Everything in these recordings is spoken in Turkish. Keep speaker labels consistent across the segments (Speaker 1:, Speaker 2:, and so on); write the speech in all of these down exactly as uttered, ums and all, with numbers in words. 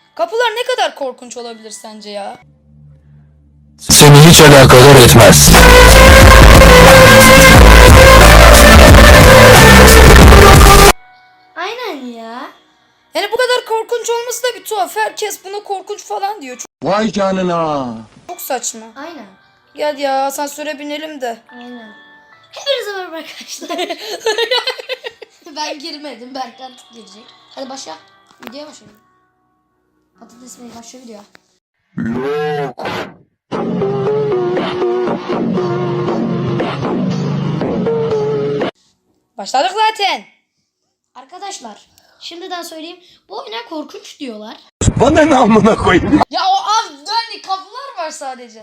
Speaker 1: Kapılar ne kadar korkunç olabilir sence ya?
Speaker 2: Seni hiç alakadar etmez.
Speaker 3: Aynen ya.
Speaker 1: Yani bu kadar korkunç olması da bir tuhaf. Herkes buna korkunç falan diyor. Çok,
Speaker 2: Vay canına.
Speaker 1: çok saçma.
Speaker 3: Aynen.
Speaker 1: Gel ya asansöre binelim de.
Speaker 3: Aynen. Hepinize merhaba arkadaşlar. Ben girmedim. Berkant girecek. Hadi başla. Videoya başlayalım. Patates mi? Başla video.
Speaker 2: Yok.
Speaker 1: Başladık zaten.
Speaker 3: Arkadaşlar şimdiden söyleyeyim. Bu oyuna korkunç diyorlar.
Speaker 2: Bana ne amına koyayım?
Speaker 1: Ya o az dönli kapılar var sadece.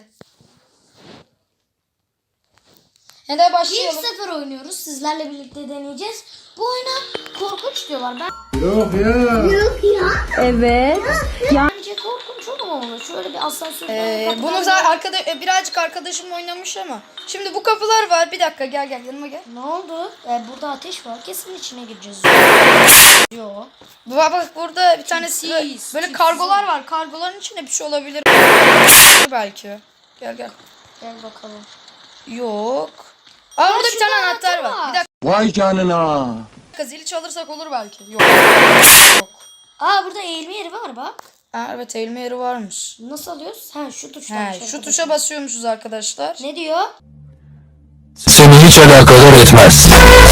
Speaker 1: Hadi
Speaker 3: İlk
Speaker 1: başlayalım.
Speaker 3: sefer oynuyoruz. Sizlerle birlikte deneyeceğiz. Bu oyuna korkunç diyorlar. Ben
Speaker 2: Yok ya.
Speaker 4: Evet.
Speaker 3: bence korkunç olamamalı. Şöyle bir asansör.
Speaker 1: Ee, bunu zaten arkada, e, birazcık arkadaşım oynamış ama. Şimdi bu kapılar var. Bir dakika gel gel yanıma gel.
Speaker 3: Ne oldu? Ee, burada ateş var. Kesin içine gireceğiz. Yo.
Speaker 1: Bak bak burada bir tane
Speaker 3: Tipsiz,
Speaker 1: böyle, böyle
Speaker 3: tipsiz.
Speaker 1: kargolar var. Kargoların içinde bir şey olabilir. Belki. Gel gel.
Speaker 3: Gel bakalım.
Speaker 1: Yok. Aa burada bir tane
Speaker 3: şurada
Speaker 1: anahtar
Speaker 3: anahtar
Speaker 1: var.
Speaker 3: var.
Speaker 1: Bir dakika
Speaker 2: Vay canına.
Speaker 1: zili çalırsak olur belki. Yok. Yok.
Speaker 3: Aa burada eğilme yeri var bak.
Speaker 1: Aa, evet eğilme yeri varmış.
Speaker 3: Nasıl alıyoruz? Ha şu tuştan.
Speaker 1: He, şu tuşa basıyormuşuz arkadaşlar.
Speaker 3: Ne diyor?
Speaker 2: Seni hiç alakadar etmez.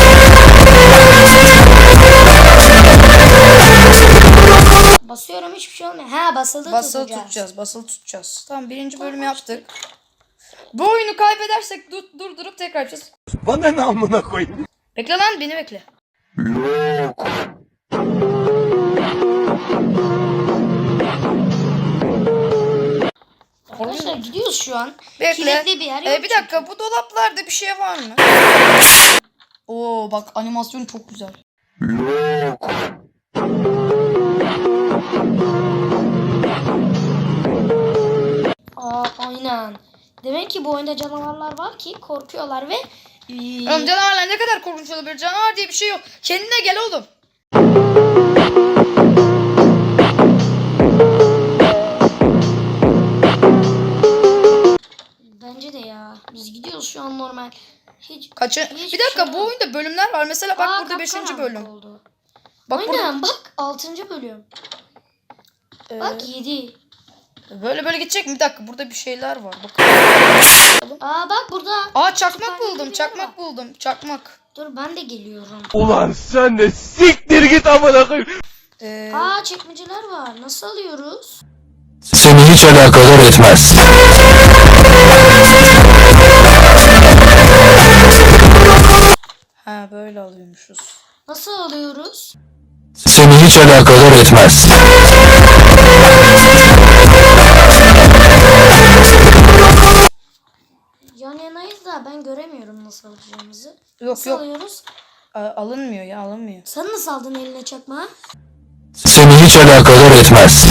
Speaker 3: Basıyorum hiçbir şey olmuyor. Ha basılı,
Speaker 1: Basılı
Speaker 3: tutacağız.
Speaker 1: tutacağız. Basılı tutacağız. Tamam birinci bölümü yaptık. Bu oyunu kaybedersek dur, durdurup tekrar yapacağız.
Speaker 2: Bana ne amına koyayım?
Speaker 1: Bekle lan beni bekle.
Speaker 2: Yok.
Speaker 3: Arkadaşlar gidiyoruz şu an.
Speaker 1: Bekle.
Speaker 3: Kilitli bir yer yok
Speaker 1: Ee, bir dakika bu dolaplarda bir şey var mı? Oo bak animasyon çok güzel.
Speaker 2: Yok.
Speaker 3: Aa aynen. Demek ki bu oyunda canavarlar var ki korkuyorlar ve ee,
Speaker 1: Oğlum canavarlar ne kadar korkunç olabilir? Canavar diye bir şey yok. Kendine gel oğlum.
Speaker 3: bence de ya. Biz gidiyoruz şu an normal. Hiç
Speaker 1: Kaçı?
Speaker 3: Hiçbir
Speaker 1: Bir dakika
Speaker 3: şey
Speaker 1: bu
Speaker 3: yok.
Speaker 1: oyunda bölümler var. Mesela bak
Speaker 3: Aa,
Speaker 1: burada beşinci
Speaker 3: kapkaranlık
Speaker 1: bölüm.
Speaker 3: oldu.
Speaker 1: Bak
Speaker 3: Aynen bak altıncı bölüm.
Speaker 1: burada.
Speaker 3: Bak yedi.
Speaker 1: Ee, böyle böyle gidecek mi? Bir dakika burada bir şeyler var. Bak.
Speaker 3: Aa bak burada.
Speaker 1: Aa çakmak
Speaker 3: Süper
Speaker 1: buldum.
Speaker 3: bir yer
Speaker 1: Çakmak
Speaker 3: var.
Speaker 1: buldum. Çakmak.
Speaker 3: Dur ben de geliyorum.
Speaker 2: Ulan sen de siktir git amına koyayım.
Speaker 1: Ee,
Speaker 3: Aa çekmeceler var. Nasıl alıyoruz?
Speaker 2: Seni hiç alakadar etmez.
Speaker 1: ha böyle alıyormuşuz.
Speaker 3: Nasıl alıyoruz?
Speaker 2: Seni hiç alakadar etmez.
Speaker 3: Yan yanayız da ben göremiyorum nasıl alacağımızı.
Speaker 1: Yok
Speaker 3: Nasıl
Speaker 1: yok.
Speaker 3: alıyoruz?
Speaker 1: A- alınmıyor ya alınmıyor.
Speaker 3: Sen nasıl aldın eline çakmağı?
Speaker 2: Seni hiç alakadar etmez.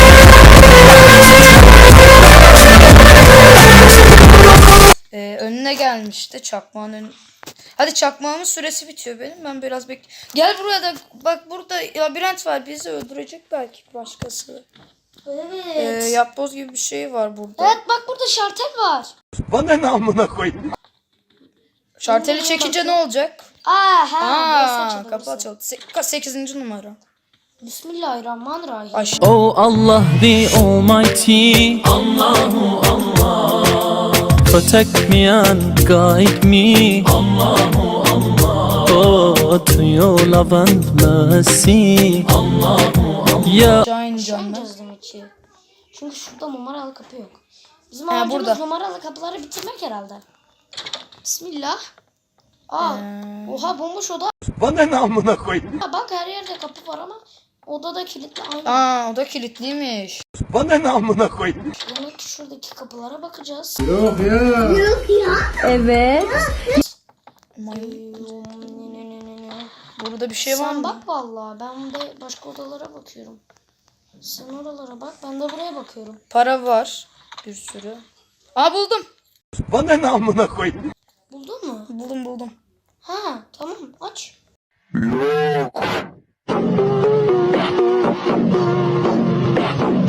Speaker 1: Ee, önüne gelmişti çakmağın ön... Hadi çakmağımın süresi bitiyor benim. Ben biraz bek. Gel buraya da bak burada labirent var. Bizi öldürecek belki başkası.
Speaker 3: Evet.
Speaker 1: Ee, yapboz gibi bir şey var burada.
Speaker 3: Evet bak burada şartel var.
Speaker 2: Bana ne amına koyayım?
Speaker 1: Şarteli çekince ne olacak?
Speaker 3: Aa ha. burası
Speaker 1: Aa,
Speaker 3: açıldı,
Speaker 1: kapı
Speaker 3: burası.
Speaker 1: açıldı. Se- sekizinci numara.
Speaker 3: Bismillahirrahmanirrahim.
Speaker 1: Aş.
Speaker 5: Oh Allah the Almighty, Allahu Allah, protect me and guide me, Allahu Allah, oh to your love and mercy, Allahu Allah. Ya
Speaker 1: Cain
Speaker 3: Şu
Speaker 1: canlı.
Speaker 3: an demek ki. Çünkü şurada numaralı kapı yok. Bizim
Speaker 1: He,
Speaker 3: amacımız
Speaker 1: burada.
Speaker 3: numaralı kapıları bitirmek herhalde. Bismillah. Aa,
Speaker 1: Ee.
Speaker 3: oha bomboş oda.
Speaker 2: Bana ne amına koyayım?
Speaker 3: Ha, bak her yerde kapı var ama odada kilitli aynı.
Speaker 1: Aa o da kilitliymiş.
Speaker 2: Bana ne amına koyayım?
Speaker 3: Demek ki şuradaki kapılara bakacağız.
Speaker 2: Yok ya.
Speaker 4: Evet.
Speaker 1: Aman,
Speaker 3: Ne, ne, ne, ne, ne.
Speaker 1: burada bir şey var
Speaker 3: Sen
Speaker 1: mı?
Speaker 3: bak vallahi ben de başka odalara bakıyorum. Sen oralara bak ben de buraya bakıyorum.
Speaker 1: Para var. Bir sürü. Aa buldum.
Speaker 2: Bana ne amına koyayım?
Speaker 3: Buldun mu?
Speaker 1: Buldum buldum.
Speaker 3: Ha tamam aç.
Speaker 2: Yok.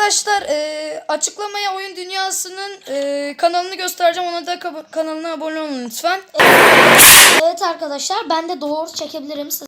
Speaker 1: arkadaşlar e, açıklamaya oyun dünyasının e, kanalını göstereceğim. Ona da kab- kanalına abone olun lütfen.
Speaker 3: Evet arkadaşlar ben de doğru çekebilirim. Siz...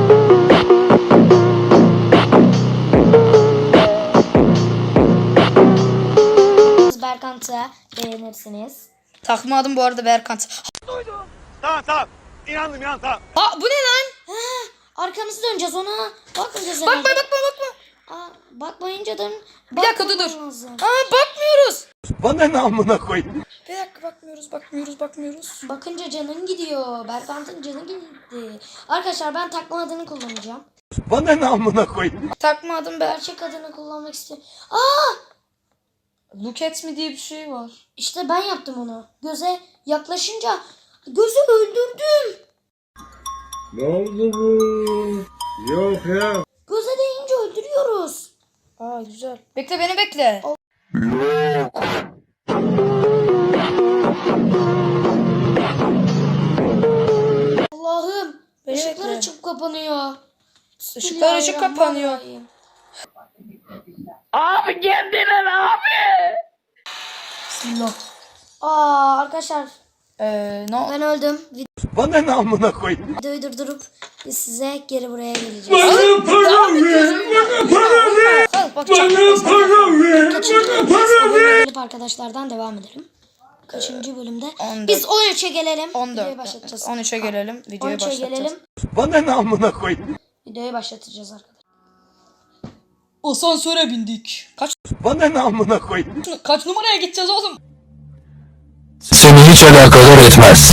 Speaker 3: Berkant'ı beğenirsiniz.
Speaker 1: Takma adım bu arada Berkant.
Speaker 2: Tamam tamam. İnandım inandım tamam.
Speaker 1: Aa bu ne lan?
Speaker 3: Arkamızı döneceğiz ona. Bakmayacağız
Speaker 1: Bakma
Speaker 3: herhalde.
Speaker 1: bakma bakma.
Speaker 3: Aa, bakmayınca da
Speaker 1: Bir dakika dur dur.
Speaker 3: bakmamam lazım.
Speaker 1: Aa bakmıyoruz.
Speaker 2: Bana ne amına koyayım?
Speaker 1: Bir dakika bakmıyoruz bakmıyoruz bakmıyoruz.
Speaker 3: Bakınca canın gidiyor. Berkant'ın canı gitti. Arkadaşlar ben takma adını kullanacağım.
Speaker 2: Bana ne amına koyayım?
Speaker 1: Takma adım Berk.
Speaker 3: Gerçek adını kullanmak istiyorum. Aa!
Speaker 1: Look at me diye bir şey var.
Speaker 3: İşte ben yaptım onu. Göze yaklaşınca gözü öldürdüm.
Speaker 6: Ne oldu bu? Yok ya.
Speaker 3: Göze değince öldürüyoruz.
Speaker 1: Aa güzel. Bekle beni bekle.
Speaker 3: Allah'ım.
Speaker 1: Beni
Speaker 3: Işıklar
Speaker 1: bekle.
Speaker 3: açıp kapanıyor.
Speaker 1: Işıklar açık kapanıyor.
Speaker 3: Bismillahirrahmanirrahim.
Speaker 1: Bismillah.
Speaker 3: Aa arkadaşlar
Speaker 1: Ee, ne
Speaker 3: ben öldüm.
Speaker 2: Bana ne amına koyayım?
Speaker 3: Videoyu durdurup biz size geri buraya geleceğiz.
Speaker 6: Bana para ver. Bana para ver.
Speaker 1: Al bak
Speaker 6: Bana para ver.
Speaker 3: Kaçıncı
Speaker 6: Bana
Speaker 3: bölümdeyiz?
Speaker 6: para
Speaker 3: O bölüme
Speaker 6: ver.
Speaker 3: gelip arkadaşlardan devam edelim. Kaçıncı bölümde?
Speaker 1: on dört.
Speaker 3: Biz on üçe gelelim.
Speaker 1: on
Speaker 3: Videoyu
Speaker 1: dört.
Speaker 3: başlatacağız.
Speaker 1: on üçe gelelim.
Speaker 3: on
Speaker 1: Videoyu
Speaker 3: üçe
Speaker 1: başlatacağız.
Speaker 3: gelelim.
Speaker 2: Bana ne amına koyayım?
Speaker 3: Videoyu başlatacağız arkadaşlar.
Speaker 1: Asansöre bindik. Kaç
Speaker 2: Bana ne amına koyayım?
Speaker 1: kaç numaraya gideceğiz oğlum?
Speaker 5: Seni hiç alakadar etmez.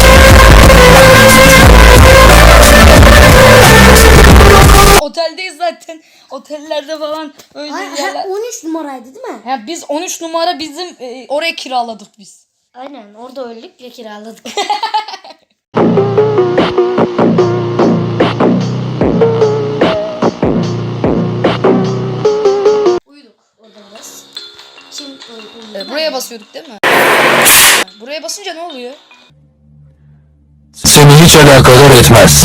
Speaker 1: Oteldeyiz zaten. Otellerde falan öyle
Speaker 3: Hayır,
Speaker 1: yerler.
Speaker 3: on üç numaraydı değil mi?
Speaker 1: Ya biz on üç numara bizim e, oraya kiraladık biz.
Speaker 3: Aynen orada öldük ve kiraladık. Uyuduk orada biraz. Kim uyudu?
Speaker 1: E, buraya basıyorduk değil mi? Buraya basınca ne oluyor?
Speaker 5: Seni hiç alakadar etmez.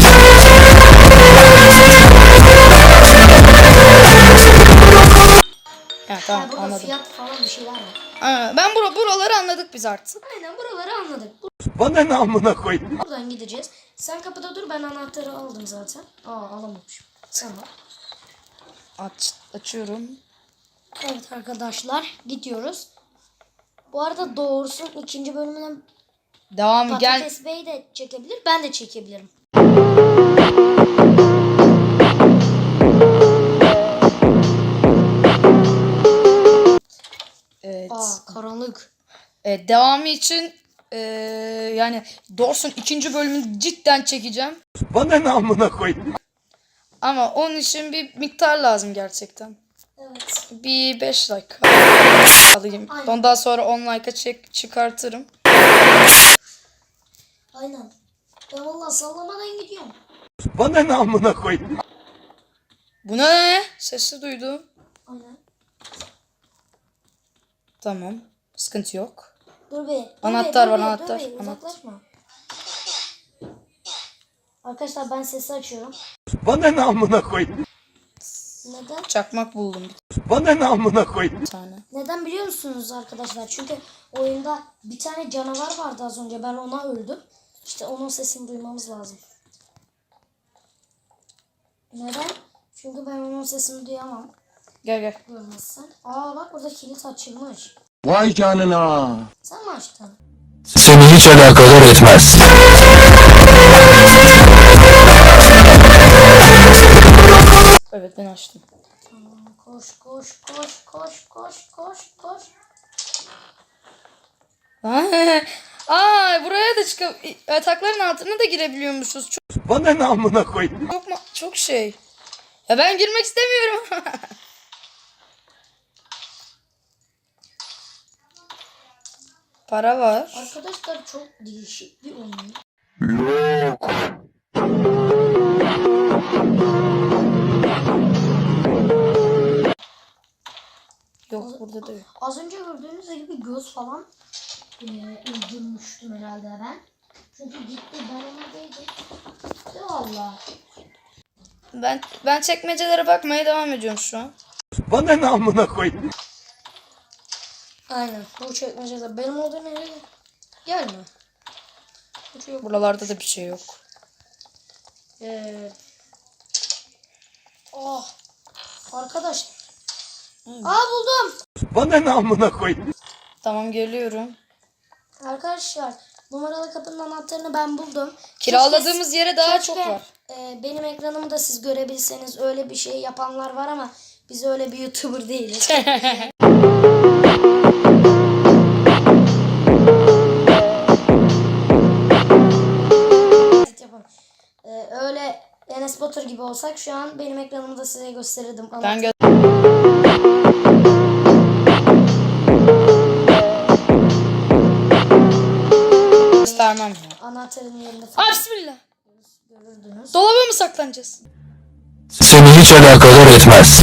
Speaker 1: Ha
Speaker 3: Ha,
Speaker 1: tamam
Speaker 3: burada
Speaker 1: anladım.
Speaker 3: fiyat falan bir şeyler var.
Speaker 1: Ha, ben bura, buraları anladık biz artık.
Speaker 3: Aynen buraları anladık.
Speaker 2: Bana ne amına koyayım?
Speaker 3: Buradan gideceğiz. Sen kapıda dur ben anahtarı aldım zaten. Aa alamamışım. Tamam.
Speaker 1: Aç, açıyorum.
Speaker 3: Evet arkadaşlar gidiyoruz. Bu arada doğrusu ikinci bölümüne
Speaker 1: Devam gel.
Speaker 3: Patates Bey de çekebilir. Ben de çekebilirim.
Speaker 1: Evet.
Speaker 3: Aa karanlık.
Speaker 1: E, devamı için e, yani Dawson ikinci bölümünü cidden çekeceğim.
Speaker 2: Bana ne amına koyayım?
Speaker 1: Ama onun için bir miktar lazım gerçekten.
Speaker 3: Evet.
Speaker 1: Bir beş dakika alayım.
Speaker 3: Aynen.
Speaker 1: Ondan sonra on like'a çek çıkartırım.
Speaker 3: Aynen. Ben valla sallamadan gidiyorum.
Speaker 2: Bana ne amına koyayım?
Speaker 1: Bu ne? Sesi duydum.
Speaker 3: Aynen.
Speaker 1: Tamam. Sıkıntı yok.
Speaker 3: Dur be. dur
Speaker 1: Anahtar
Speaker 3: be,
Speaker 1: var,
Speaker 3: dur be,
Speaker 1: anahtar,
Speaker 3: Dur be,
Speaker 1: anahtar.
Speaker 3: uzaklaşma. Arkadaşlar ben sesi açıyorum.
Speaker 2: Bana ne amına koyayım?
Speaker 3: Neden?
Speaker 1: Çakmak buldum
Speaker 2: Bana ne amına koyayım?
Speaker 1: bir tane.
Speaker 3: Neden biliyor musunuz arkadaşlar? Çünkü oyunda bir tane canavar vardı az önce. Ben ona öldüm. İşte onun sesini duymamız lazım. Neden? Çünkü ben onun sesini duyamam.
Speaker 1: Gel gel.
Speaker 3: Görmezsen. Aa bak burada kilit açılmış.
Speaker 6: Vay canına.
Speaker 3: Sen mi açtın?
Speaker 5: Seni hiç alakadar etmez.
Speaker 1: Evet ben açtım.
Speaker 3: Tamam, koş koş koş koş koş koş koş.
Speaker 1: Aa buraya da çıkıp yatakların altına da girebiliyormuşuz. Çok,
Speaker 2: Bana ne amına koyayım?
Speaker 1: çok, ma- çok şey. Ya ben girmek istemiyorum. Para var.
Speaker 3: Arkadaşlar çok değişik bir oyun.
Speaker 1: Yok burada da yok.
Speaker 3: Az önce gördüğünüz gibi göz falan e, öldürmüştüm herhalde ben. Çünkü gitti ben ona değdim. De valla.
Speaker 1: Ben ben çekmecelere bakmaya devam ediyorum şu an.
Speaker 2: Bana ne amına koyayım?
Speaker 3: Aynen. Bu çekmecede benim olduğum yere gelme. Hiç yok.
Speaker 1: Buralarda da bir şey yok.
Speaker 3: Ee, oh. Arkadaş. Aa buldum.
Speaker 2: Bana ne amına koyayım?
Speaker 1: Tamam, geliyorum.
Speaker 3: Arkadaşlar numaralı kapının anahtarını ben buldum.
Speaker 1: Kiraladığımız yere daha
Speaker 3: Keşke,
Speaker 1: çok var.
Speaker 3: e, benim ekranımı da siz görebilseniz, öyle bir şey yapanlar var ama biz öyle bir YouTuber değiliz. Yapalım. E, öyle Enes Batur gibi olsak şu an benim ekranımı da size gösterirdim. Ama
Speaker 1: Ben gö göstermem ya.
Speaker 3: anahtarın yerinde
Speaker 1: Aa,
Speaker 3: falan
Speaker 1: bismillah.
Speaker 3: görürdünüz.
Speaker 1: Dolaba mı saklanacağız?
Speaker 5: Seni hiç alakadar etmez.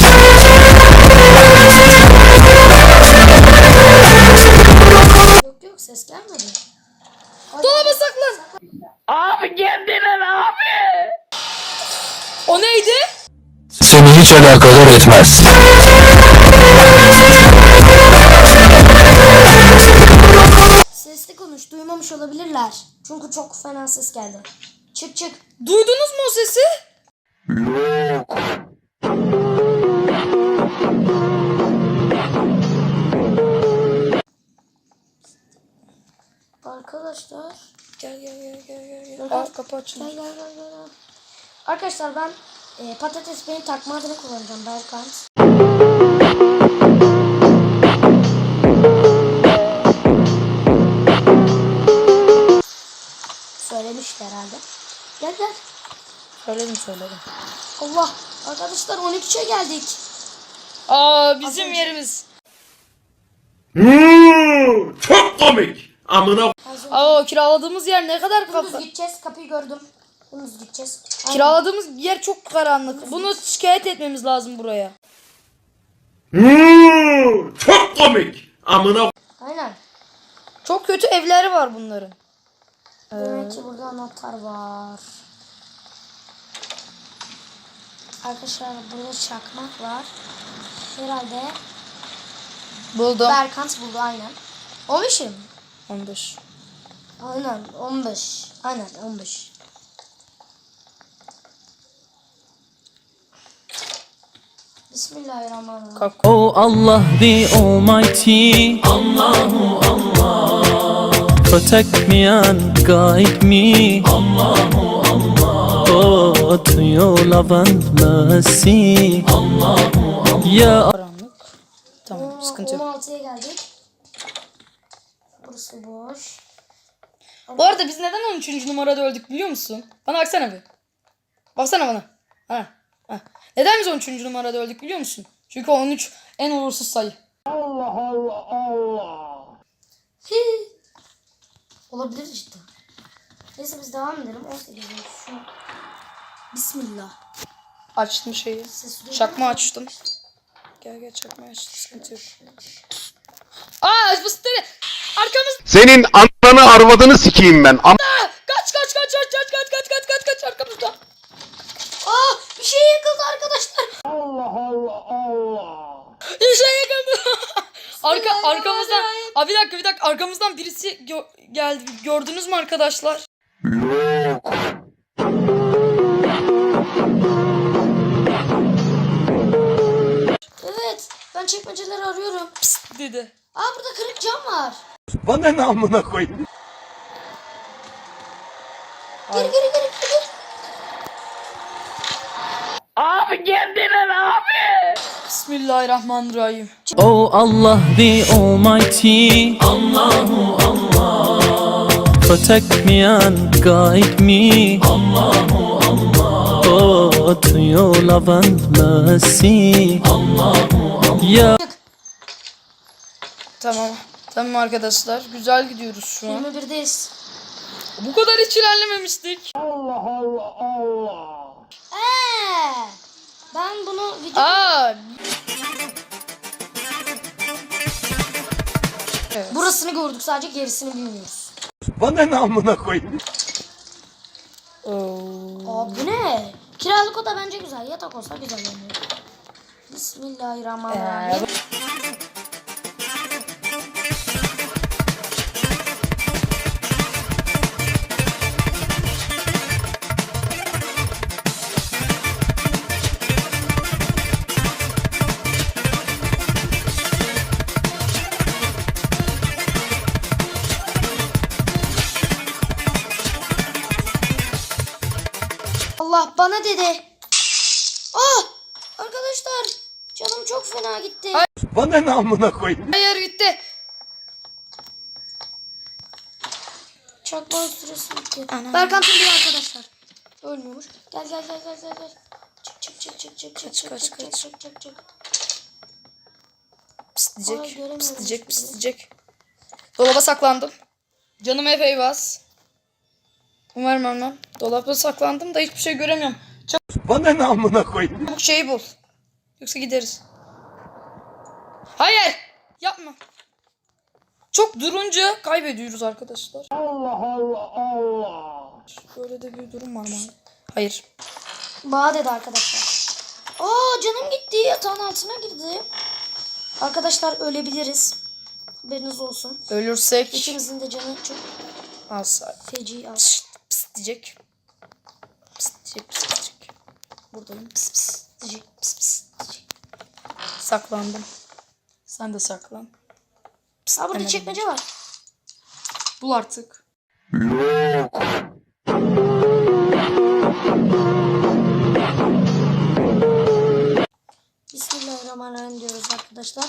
Speaker 3: Yok yok, ses gelmedi.
Speaker 1: Dolaba saklan. Abi kendine abi. O neydi?
Speaker 5: Seni hiç alakadar etmez.
Speaker 3: Sesli konuş, duymamış olabilirler. Çünkü çok fena ses geldi. Çık çık.
Speaker 1: Duydunuz mu o sesi?
Speaker 3: Arkadaşlar.
Speaker 1: Gel gel gel gel gel. gel.
Speaker 3: Gel,
Speaker 1: Aa,
Speaker 3: gel.
Speaker 1: kapı
Speaker 3: Gel
Speaker 1: açılmış.
Speaker 3: gel gel gel. gel. Arkadaşlar ben e, patates beni takma adını kullanacağım, Berkant. Söylemişti herhalde. Gel gel.
Speaker 1: Söyledim söyledim.
Speaker 3: Allah. Arkadaşlar on ikiye geldik.
Speaker 1: Aa, bizim yerimiz.
Speaker 6: Hmm, çok komik. Amına
Speaker 3: Az önce
Speaker 1: Aa, kiraladığımız yer ne kadar
Speaker 3: dümdüz
Speaker 1: kafa.
Speaker 3: gideceğiz. Kapıyı gördüm. Dümdüz gideceğiz. Aynen.
Speaker 1: Kiraladığımız yer çok karanlık. Bunu şikayet etmemiz lazım buraya.
Speaker 6: Hmm, çok komik. Amına
Speaker 3: Aynen.
Speaker 1: Çok kötü evleri var bunların.
Speaker 3: Demek ki burada anahtar var. Arkadaşlar burada çakmak var. Herhalde
Speaker 1: Buldum.
Speaker 3: Berkant buldu aynen. on beş mi?
Speaker 1: on beş.
Speaker 3: Aynen on beş. Aynen on beş. Bismillahirrahmanirrahim.
Speaker 1: Kalk.
Speaker 7: Oh Allah the Almighty, Allahu Allah, protect me and guide me, Allahu Allah, oh to your love and mercy, Allahu Allah. Ya
Speaker 1: Karanlık. Tamam, sıkıntı yok.
Speaker 3: on altıya geldik. Burası boş.
Speaker 1: Bu arada biz neden on üçüncü numarada öldük biliyor musun? Bana baksana bir. Baksana bana. Ha. Ha. Neden biz on üçüncü numarada öldük biliyor musun? Çünkü on üç en uğursuz sayı.
Speaker 3: Hi. Olabilir işte. Neyse biz devam edelim. on sekiz şu. Bismillah.
Speaker 1: Açtım şeyi.
Speaker 3: Ses duyuyor
Speaker 1: Çakma
Speaker 3: musun?
Speaker 1: açtım. Gel gel çakma açtım. Sıkıntı yok. Aa, bu sitede. Arkamız.
Speaker 8: Senin ananı arvadını sikeyim ben. Am
Speaker 1: Kaç kaç kaç kaç kaç kaç kaç kaç kaç kaç arkamızda.
Speaker 3: Aa, bir şey yakıldı arkadaşlar.
Speaker 1: Bir şey yakaladı. Arka arkamızdan. Aa, bir dakika bir dakika arkamızdan birisi gö- geldi. Gördünüz mü arkadaşlar?
Speaker 3: Evet, ben çekmeceleri arıyorum.
Speaker 1: Psst dedi.
Speaker 3: Aa, burada kırık cam var.
Speaker 2: Bana ne amına koyayım?
Speaker 3: Geri geri geri geri.
Speaker 1: Bismillahirrahmanirrahim.
Speaker 7: oh Allah the Almighty, Allahu Allah, protect me and guide me, Allahu Allah, oh to your love and mercy, Allahu Allah. Ya
Speaker 1: Tamam. Tamam arkadaşlar. Güzel gidiyoruz şu an.
Speaker 3: yirmi birdeyiz.
Speaker 1: Bu kadar hiç ilerlememiştik.
Speaker 3: Eee, ben bunu video...
Speaker 1: Aa.
Speaker 3: Burasını gördük, sadece gerisini bilmiyoruz.
Speaker 2: Bana ne amına koyayım?
Speaker 1: Oo.
Speaker 3: Aa, bu ne? Kiralık oda bence güzel. Yatak olsa güzel yani. Bismillahirrahmanirrahim. Allah bana dedi. Ah! Arkadaşlar canım çok fena gitti.
Speaker 2: Bana ne amına koyayım?
Speaker 1: Hayır gitti.
Speaker 3: Çakmağın süresi bitti.
Speaker 1: Ana.
Speaker 3: Berkan tüm arkadaşlar. Ölmüyormuş. Gel gel gel gel gel. gel. Çık çık çık çık çık çık çık
Speaker 1: kaç,
Speaker 3: çık
Speaker 1: kaç.
Speaker 3: çık çık çık.
Speaker 1: Pıs
Speaker 3: Ay,
Speaker 1: diyecek.
Speaker 3: göremiyorum
Speaker 1: Pıs diyecek. Pıs
Speaker 3: hiçbirini.
Speaker 1: diyecek. Dolaba saklandım. Canım epey bas. Umarım ölmem. Dolapta saklandım da hiçbir şey göremiyorum.
Speaker 2: Bana ne amına koyayım?
Speaker 1: Çabuk şeyi bul. Yoksa gideriz. Hayır. Yapma. Çok durunca kaybediyoruz arkadaşlar. Allah Allah Allah. Böyle de bir durum var mı? Hayır.
Speaker 3: Bağ dedi arkadaşlar. Aa canım gitti. Yatağın altına girdi. Arkadaşlar ölebiliriz. Haberiniz olsun.
Speaker 1: Ölürsek
Speaker 3: İkimizin de canı çok
Speaker 1: alsa.
Speaker 3: feci az.
Speaker 1: Pıs, pıs diyecek. Pıs diyecek. Pıs diyecek. Buradayım. Pıs pıs diyecek. Pıs pıs diyecek. Saklandım. Sen de saklan. Pıs,
Speaker 3: Aa burada
Speaker 1: demedim.
Speaker 3: çekmece var.
Speaker 1: Bul artık.
Speaker 3: Bismillahirrahmanirrahim diyoruz arkadaşlar.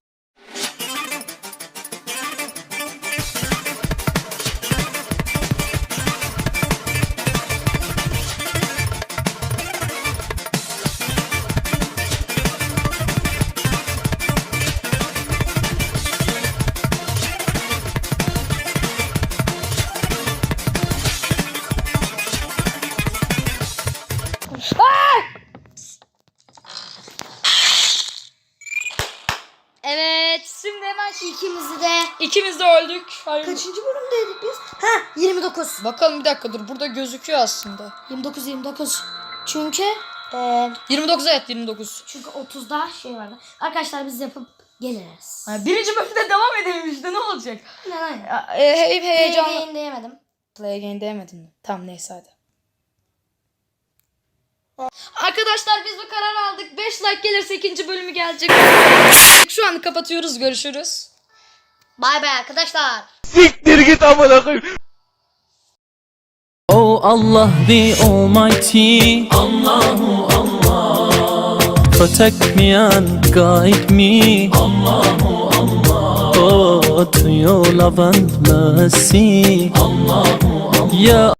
Speaker 1: Evet. Şimdi hemen şu
Speaker 3: İkimizi de
Speaker 1: ikimiz de öldük. Hayır.
Speaker 3: kaçıncı bölümdeydik biz? Ha yirmi dokuz.
Speaker 1: Bakalım bir dakika dur. Burada gözüküyor aslında.
Speaker 3: yirmi dokuz yirmi dokuz. Çünkü e,
Speaker 1: yirmi dokuz evet yirmi dokuz.
Speaker 3: çünkü otuzda şey vardı. Arkadaşlar biz yapıp geliriz.
Speaker 1: Ha, birinci bölümde devam edelim işte ne olacak?
Speaker 3: Ne lan?
Speaker 1: Ya, e, he, heyecanlı.
Speaker 3: Heyecanlı. Diyemedim.
Speaker 1: Play again demedim mi? Tamam neyse hadi. Arkadaşlar biz bu karar aldık. beş like gelirse ikinci bölümü gelecek. Şu an kapatıyoruz. Görüşürüz.
Speaker 3: Bay bay arkadaşlar.
Speaker 2: Siktir git amına koyayım.
Speaker 7: Oh Allah the Almighty, Allahu Allah. Protect me and guide me, Allahu Allah. Oh to your love and mercy, Allahu Allah. Yeah.